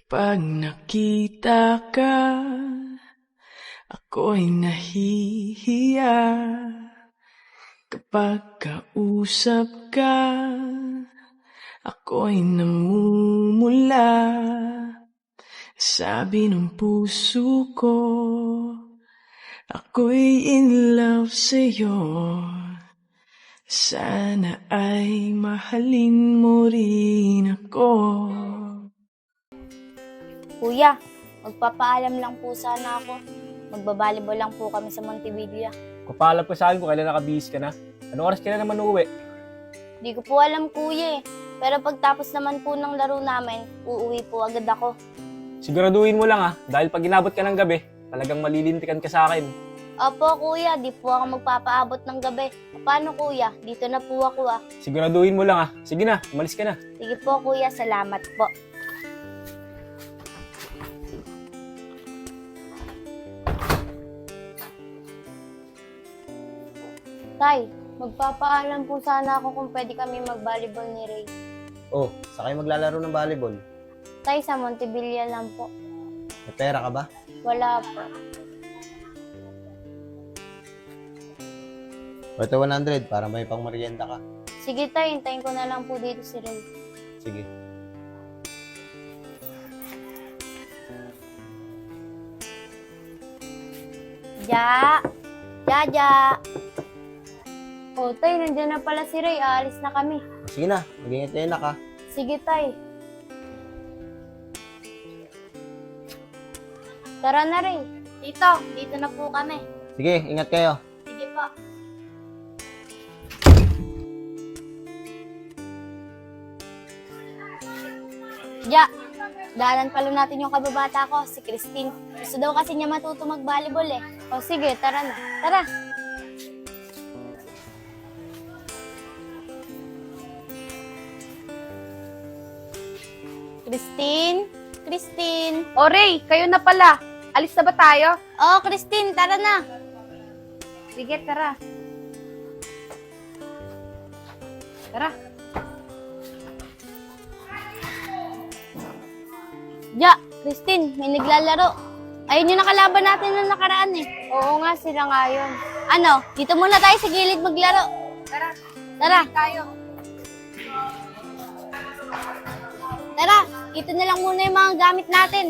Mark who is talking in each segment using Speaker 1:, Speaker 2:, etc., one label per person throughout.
Speaker 1: Pag nakita ka, ako'y nahihiya. Kapag kausap ka, ako'y namumula. Sabi ng puso ko, ako'y in love sa'yo. Sana ay mahalin mo rin ako.
Speaker 2: Kuya, magpapaalam lang po sana ako. Magbabalibol lang po kami sa Montevilla.
Speaker 3: Kapaalap ko sa akin kung kailan nakabihis ka na. Anong oras ka na naman uuwi?
Speaker 2: Di ko po alam, kuya eh. Pero pagtapos naman po ng laro namin, uuwi po agad ako.
Speaker 3: Siguraduhin mo lang dahil pag inabot ka ng gabi, talagang malilintikan ka sa akin.
Speaker 2: Opo, kuya, di po ako magpapaabot ng gabi. Paano, kuya? Dito na po ako
Speaker 3: Siguraduhin mo lang Sige na, umalis ka na.
Speaker 2: Sige po, kuya, salamat po. Tay, magpapaalam po sana ako kung pwede kami mag-volleyball ni Ray.
Speaker 4: Oh, sa kayo maglalaro ng volleyball?
Speaker 2: Tay, sa Montevilla lang po.
Speaker 4: May pera ka ba?
Speaker 2: Wala po.
Speaker 4: Ito 100 para may pang merienda ka.
Speaker 2: Sige tay, hintayin ko na lang po dito si Ray.
Speaker 4: Sige.
Speaker 2: Ja! Ja! O tay, nandiyan na pala si Ray. Aalis na kami.
Speaker 4: Sige na, mag-ingat kayo na ka.
Speaker 2: Sige tay. Tara na Ray. Dito na po kami.
Speaker 4: Sige, ingat kayo.
Speaker 2: Sige po. Ja, daanan pala natin yung kababata ko, si Christine. Gusto daw kasi niya matuto mag-volleyball eh. O sige, tara na. Tara. Christine? Christine?
Speaker 5: O Ray, kayo na pala. Alis na ba tayo?
Speaker 2: Oh, Christine, tara na.
Speaker 5: Sige, tara. Tara.
Speaker 2: Ja, Christine, may naglalaro. Ayun yung nakalaban natin na nakaraan eh.
Speaker 5: Oo nga, sila nga yun.
Speaker 2: Ano, dito muna tayo sa gilid maglaro.
Speaker 5: Tara.
Speaker 2: Tara.
Speaker 5: Tayo.
Speaker 2: Tara, ito na lang muna yung mga gamit natin.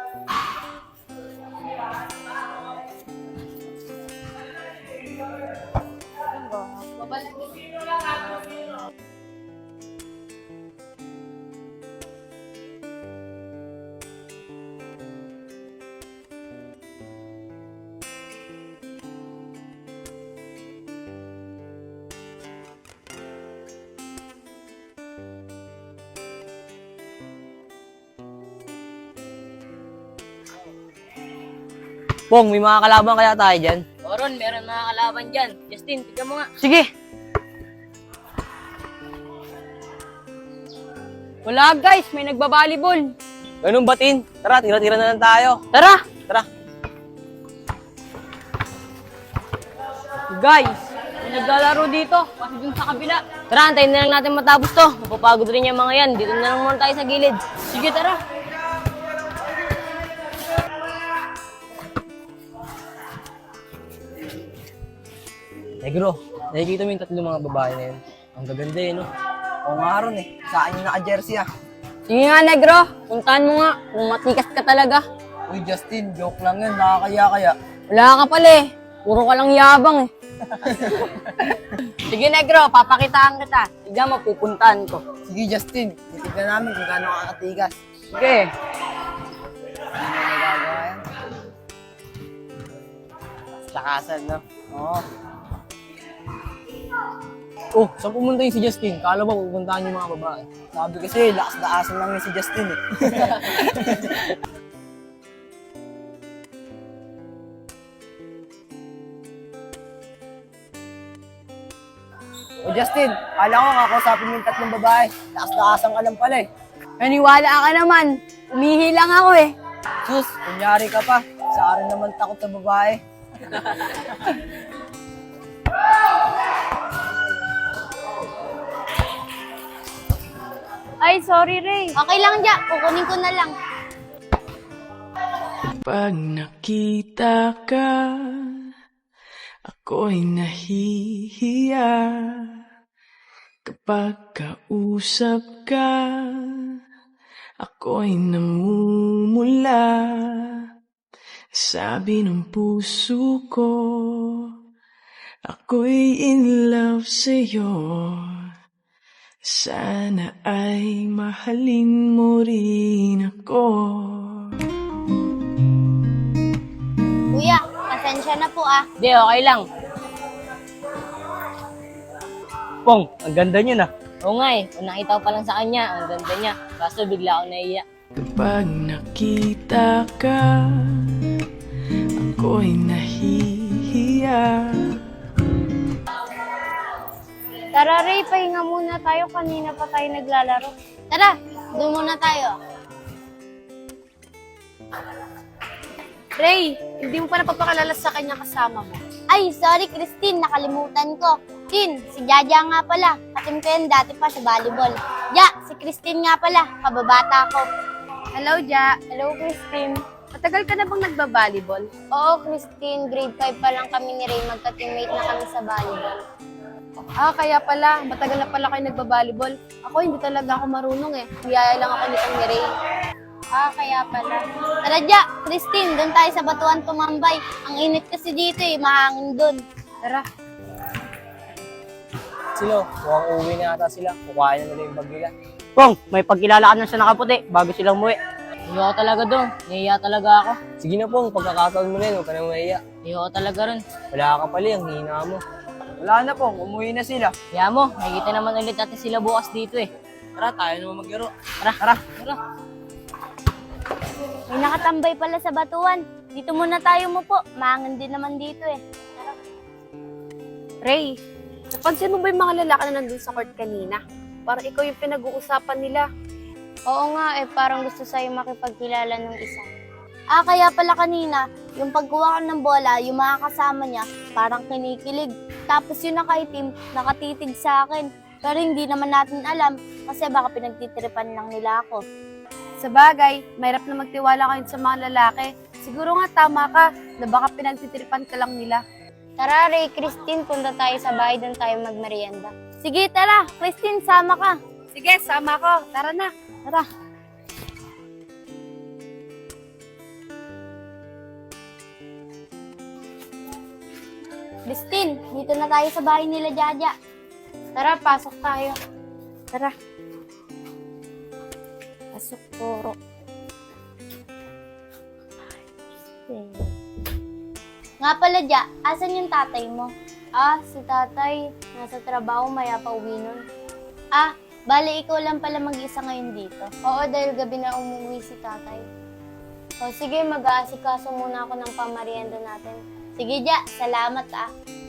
Speaker 6: Pong, may mga kalaban kaya tayo dyan?
Speaker 7: Oron, meron mga kalaban dyan. Justin, tignan mo nga.
Speaker 6: Sige!
Speaker 5: Wala guys, may nagbabalibol.
Speaker 6: Ganun batin. Tara, tira-tira na lang tayo.
Speaker 5: Tara.
Speaker 6: Tara.
Speaker 5: Guys, may naglalaro dito. Kasi dun sa kabila.
Speaker 6: Tara, antayin na lang natin matapos to. Mapapagod rin yung mga yan. Dito na lang muna tayo sa gilid.
Speaker 5: Sige, tara.
Speaker 6: Negro, nakikita mo yung tatlong mga babae na yun. Ang gaganda eh, no?
Speaker 8: Oo nga ron eh. Sa akin yung naka-jersey ah.
Speaker 5: Sige nga, Negro. Puntahan mo nga kung matikas ka talaga.
Speaker 8: Uy Justin, joke lang yun. Nakakaya kaya.
Speaker 5: Wala ka pala eh. Puro ka lang yabang eh. Sige, Negro. Papakitaan kita. Tignan mo, pupuntahan ko.
Speaker 8: Sige Justin, titignan namin kung gaano kakatigas.
Speaker 5: Sige.
Speaker 8: Ano na nagagawa yan?
Speaker 6: Lakasan, no?
Speaker 8: Oo.
Speaker 6: Oh, saan pumunta yung si Justin? Kala ba pupuntahan yung mga babae?
Speaker 8: Sabi kasi, lakas-lakasan lang yun si Justin eh. O Justin, kala ko kakausapin mo yung tatlong babae. Lakas-lakasan ka lang pala eh.
Speaker 5: Naniwala ka naman. Umihi lang ako eh.
Speaker 8: Sus, kunyari ka pa. Sa akin naman takot sa babae.
Speaker 5: Ay, sorry Ray.
Speaker 2: Okay lang, Ja. Kukunin ko na lang.
Speaker 1: Kapag nakita ka, ako'y nahihiya. Kapag kausap ka, ako'y namumula. Sabi ng puso ko, ako'y in love sa'yo. Sana ay mahalin mo rin ako.
Speaker 2: Kuya, pasensya na po ah.
Speaker 7: Di, okay lang.
Speaker 6: Pong, ang ganda niyo na.
Speaker 7: Oo nga eh, kung nakita ko pa lang sa kanya, ang ganda niya. Kaso bigla ako naiiyak.
Speaker 1: Kapag nakita ka, ako'y nahihiya.
Speaker 2: Tara Ray, pahinga muna tayo. Kanina pa tayo naglalaro. Tara, doon muna tayo.
Speaker 9: Ray, hindi mo pa napapakilala sa kanya kasama mo.
Speaker 2: Ay, sorry Christine, nakalimutan ko. Tin, si Jaja nga pala. Katim ko yan dati pa sa volleyball. Ja, si Christine nga pala. Kababata ko.
Speaker 9: Hello, Ja.
Speaker 2: Hello Christine.
Speaker 9: Matagal ka na bang nagba-volleyball?
Speaker 2: Oo Christine, grade 5 pa lang kami ni Ray. Magka-teammate na kami sa volleyball.
Speaker 9: Ah, kaya pala. Matagal na pala kayo nagba-volleyball. Ako, hindi talaga ako marunong eh. Niyaya lang ako nitong ni Ray.
Speaker 2: Ah, kaya pala. Tara Ja, Christine, doon tayo sa batuan tumambay. Ang init kasi dito eh, mahangin doon.
Speaker 9: Tara.
Speaker 6: Silo, mukhang uuwi na ata sila. Kukuhain na nila yung bag nila.
Speaker 5: Pong, may pagkilala ka na sa nakaputi bago silang umuwi.
Speaker 7: Ayoko talaga doon. Naiiyak talaga ako.
Speaker 6: Sige na Pong, pagkakataon mo na yun, huwag ka na mahiya.
Speaker 7: Ayoko talaga ron.
Speaker 6: Wala ka pala, ang hina mo.
Speaker 8: Wala na Pong, umuwi na sila.
Speaker 7: Kaya mo, nakikita naman ulit natin sila bukas dito eh.
Speaker 6: Tara, tayo naman maglaro.
Speaker 7: Tara.
Speaker 2: May nakatambay pala sa batuan. Dito muna tayo mo po. Mahangin din naman dito eh.
Speaker 9: Ray, napansin mo ba yung mga lalaki na nandun sa court kanina? Parang ikaw yung pinag-uusapan nila.
Speaker 2: Oo nga eh, parang gusto sa'yo makipagkilala ng isa. Ah, kaya pala kanina, yung pagkuha ko ng bola, yung mga kasama niya, parang kinikilig. Tapos yung nakaitim, nakatitig sa akin. Pero hindi naman natin alam, kasi baka pinagtitripan lang nila ako.
Speaker 9: Sa bagay, mahirap na magtiwala kayo sa mga lalaki. Siguro nga tama ka na baka pinagtitripan ka lang nila.
Speaker 2: Tara Ray, Christine, punta tayo sa bahay, doon tayo magmerienda. Sige, tara. Christine, sama ka.
Speaker 9: Sige, sama ko. Tara na.
Speaker 2: Tara. Christine, dito na tayo sa bahay nila Jaja. Tara, pasok tayo. Tara. Pasok, puro. Nga pala, Ja, asan yung tatay mo? Ah, si tatay. Nasa trabaho, maya pa uwi nun. Ah, bale ikaw lang pala mag-isa ngayon dito. Oo, dahil gabi na umuwi si tatay. O sige, mag-aasikaso muna ako ng pamarienda natin. Sige, Ja, salamat ah.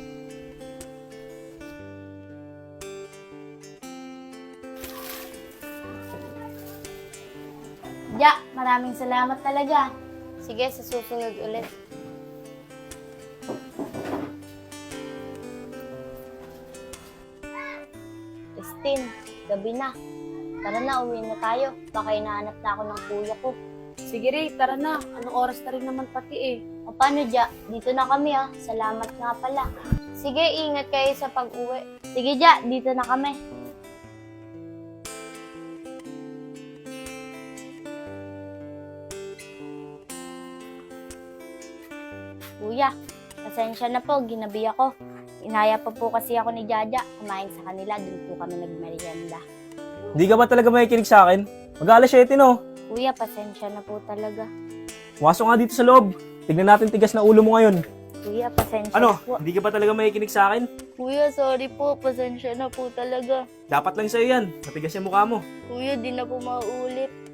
Speaker 2: Ja, maraming salamat talaga. Sige, sa susunod ulit. Christine, gabi na. Tara na, uwi na tayo. Baka hinahanap na ako ng kuya ko.
Speaker 9: Sige Ray, tara na. Anong oras na rin naman pati eh.
Speaker 2: O paano, Ja? Dito na kami ah. Salamat nga pala. Sige, ingat kayo sa pag-uwi. Sige, Ja, dito na kami. Kuya, pasensya na po, ginabi ako. Inaya pa po kasi ako ni Jaja. Kumain sa kanila, doon po kami nagmerienda.
Speaker 3: Hindi ka ba talaga makikinig sa akin? Mag-alas 7 no?
Speaker 2: Kuya, pasensya na po talaga.
Speaker 3: Pumasok nga dito sa loob. Tignan natin tigas na ulo mo ngayon.
Speaker 2: Kuya, pasensya
Speaker 3: Ano?
Speaker 2: na po.
Speaker 3: Hindi ka ba talaga makikinig sa akin?
Speaker 2: Kuya, sorry po. Pasensya na po talaga.
Speaker 3: Dapat lang sa'yo yan. Matigas yung mukha mo.
Speaker 2: Kuya, di na po mauulit.